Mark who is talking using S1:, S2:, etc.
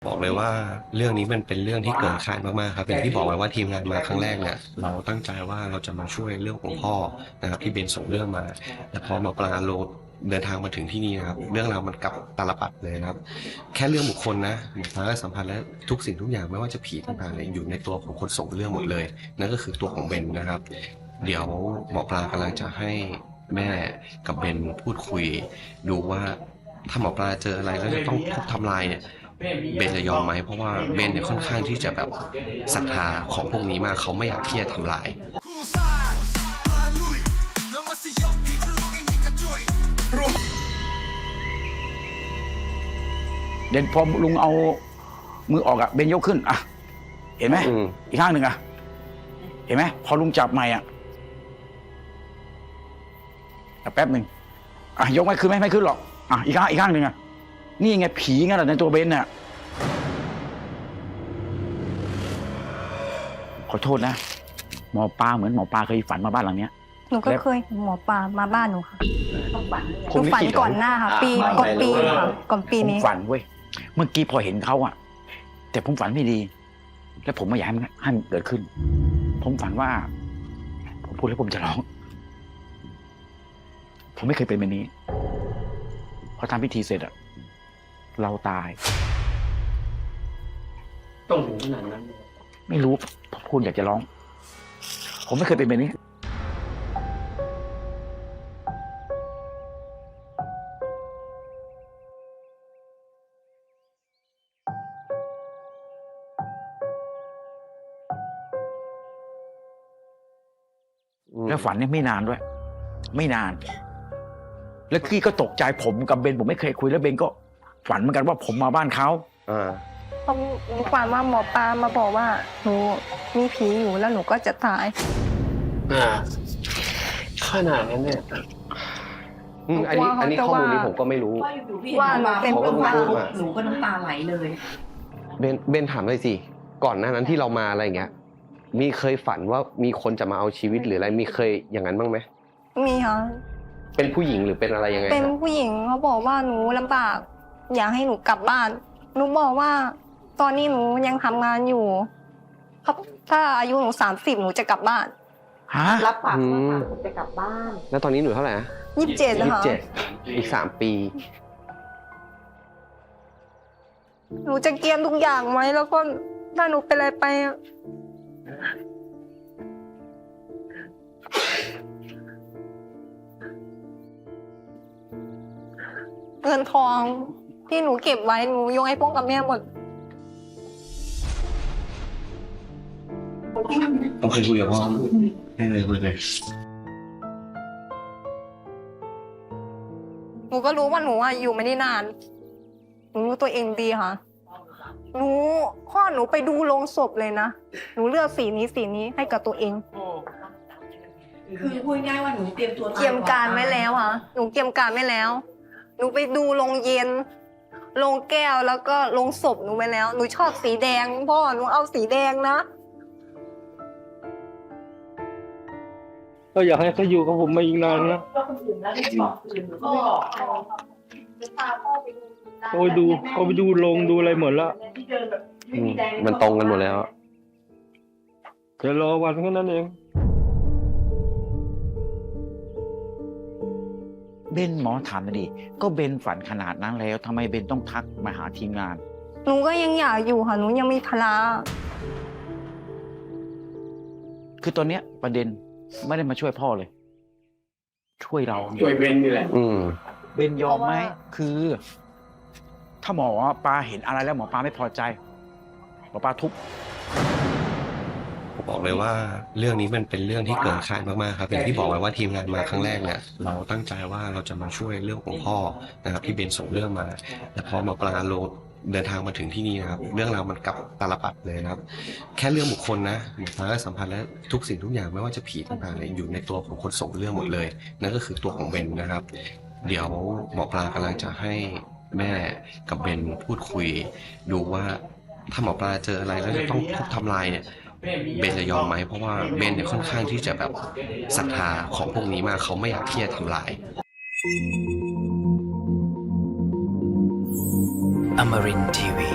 S1: บอกเลยว่าเรื่องนี้มันเป็นเรื่องที่เกินคาดมากๆครับอย่างที่บอกไว้ว่าทีมงานมาครั้งแรกเนี่ยเราตั้งใจว่าเราจะมาช่วยเรื่องของพ่อนะครับที่เบนส่งเรื่องมาแต่พอหมอปลาโลเดินทางมาถึงที่นี่นะครับเรื่องราวมันกลับตาลปัดเลยนะครับแค่เรื่องบุคคลนะหมอปลาก็สัมพันธ์และทุกสิ่งทุกอย่างไม่ว่าจะผีต่างๆเนี่ยอยู่ในตัวของคนส่งเรื่องหมดเลยนั่นก็คือตัวของเบนนะครับเดี๋ยวหมอปลากำลังจะให้แม่กับเบนพูดคุยดูว่าถ้าหมอปลาเจออะไรแล้วจะต้องทุบทำลายเนี่ยเบนจะยอมไหมเพราะว่าเบนเนี่ยค่อนข้างที่จะแบบศรัทธาของพวกนี้มากเขาไม่อยากที่จะทำลาย
S2: เด่นพอลุงเอามือออกอะเบนยกขึ้นอะเห็นไหมอีกข้างหนึ่งอะเห็นไหมพอลุงจับใหม่อะแป๊บหนึ่งอะยกไม่ขึ้นไหมไม่ขึ้นหรอกอะอีกข้างหนึ่งอะนี่ไงผีไงล่ะในตัวเบนน่ะขอโทษนะหมอปลาเหมือนหมอปลาเคยฝันมาบ้านหลังเนี้ย
S3: หนูก็เคยเห็นหมอปลามาบ้านหนูค่ะหนู
S2: ผม
S3: ฝันก่อนหน้าค่ะก่อนปีค่ะก่อนปีนี้
S2: ผมฝันเว้ยเมื่อกี้พอเห็นเขาอะแต่ผมฝันไม่ดี แล้วผมไม่อยากให้มันเกิดขึ้น ผมฝันว่า ผมพูดแล้วผมจะร้อง ผมไม่เคยเป็นแบบนี้พอทำพิธีเสร็จอะเราตาย
S4: ต้องถึงขนาดนั้น
S2: ไม่รู้ผมพูดอยากจะร้อง ผมไม่เคยเป็นแบบนี้แล้วฝันเนี่ยไม่นานด้วย ไม่นาน แล้วกี้ก็ตกใจผมกับเบนผมไม่เคยคุยแล้วเบนก็ฝันเหมือนกันว่าผมมาบ้านเขา
S3: ผมฝันว่าหมอปลามาบอกว่าหนูมีผีอยู่แล้วหนูก็จะตาย
S4: ขนาดนั้นเนี่ย
S1: อันนี้ข้อมูลนี้ผมก็ไม่รู้
S3: ว่าหนูเป็นคนบ้า
S5: หนูก็น้ำตาไหลเลย
S1: เบนถามเลยสิก่อนหน้านั้นที่เรามาอะไรอย่างเงี้ยมีเคยฝันว่ามีคนจะมาเอาชีวิตหรืออะไรมีเคยอย่างนั้นบ้างไหม
S3: มีค่ะ
S1: เป็นผู้หญิงหรือเป็นอะไรยังไง
S3: เป็นผู้หญิงเขาบอกว่าหนูลำบากอยากให้หนูกลับบ้านหนูบอกว่าตอนนี้หนูยังทำงานอยู่ครับถ้าอายุหนู30หนูจะกลับบ้าน
S5: รับปากว่าหนูจะกลับบ้าน
S1: แล้วตอนนี้หนูเท่าไหร่นะ
S3: 27นะคะ
S1: อีก3 ปี
S3: หนูจะเกียมทุกอย่างไหมแล้วก็ถ้าหนูเป็นอะไรไปเงินทองที่หนูเก็บไว้หนูโยงให้พ่อกับแม่หมด
S1: ต้องเคยคุยกับพ่อไม่เลยคุยเลย
S3: หนูก็รู้ว่าหนูอยู่ไม่ได้นานหนูรู้ตัวเองดีค่ะพ่อหนูไปดูโรงศพเลยนะหนูเลือกสีนี้ให้กับตัวเอง
S5: คือพูดง่ายว่าหนูเตรียมตัว
S3: เตรียมการไว้แล้วค่ะหนูเตรียมการไว้แล้วหนูไปดูโรงเย็นโรงแก้วแล้วก็โรงศพหนูไว้แล้วหนูชอบสีแดงพ่อหนูเอาสีแดงนะ
S4: ก็อยากให้เขาอยู่กับผมมาอีกนานนะเขาไปดูลงดูอะไรหมดแล้ว
S1: มันตรงกันหมดแล้ว
S4: แค่รอวันแค่นั้นเอง
S2: เบนหมอถามมาดิก็เบนฝันขนาดนั้นแล้วทำไมเบนต้องทักมาหาทีมงาน
S3: หนูก็ยังอยากอยู่ค่ะหนูยังมีภาระ
S2: คือตอนเนี้ยประเด็นไม่ได้มาช่วยพ่อเลยช่วยเรา
S4: ช่วยเบนนี่แหละ
S2: เบนยอมไหมคือถ้าหมอปลาเห็นอะไรแล้วหมอปลาไม่พอใจหมอปลาทุบ
S1: ผมบอกเลยว่าเรื่องนี้มันเป็นเรื่องที่เกินคาดมากๆครับอย่างที่บอกไว้ว่าทีมงานมาครั้งแรกเนี่ยเราตั้งใจว่าเราจะมาช่วยเรื่องของพ่อนะครับที่เบนส่งเรื่องมาแต่พอหมอปลาโลเดินทางมาถึงที่นี่นะครับเรื่องราวมันกลับตาลปัดเลยนะครับแค่เรื่องบุคคลนะหมอปลาก็สัมพันธ์และทุกสิ่งทุกอย่างไม่ว่าจะผีต่างๆเนี่ยอยู่ในตัวของคนส่งเรื่องหมดเลยนั่นก็คือตัวของเบนนะครับเดี๋ยวหมอปลากำลังจะให้แม่กับเบนพูดคุยดูว่าถ้าหมอปลาเจออะไรแล้วจะต้องทุบทำลายเนี่ยเบนจะยอมไหมเพราะว่าเบนเนี่ยค่อนข้างที่จะแบบศรัทธาของพวกนี้มากเขาไม่อยากที่จะทำลาย
S6: Amarin Tiwi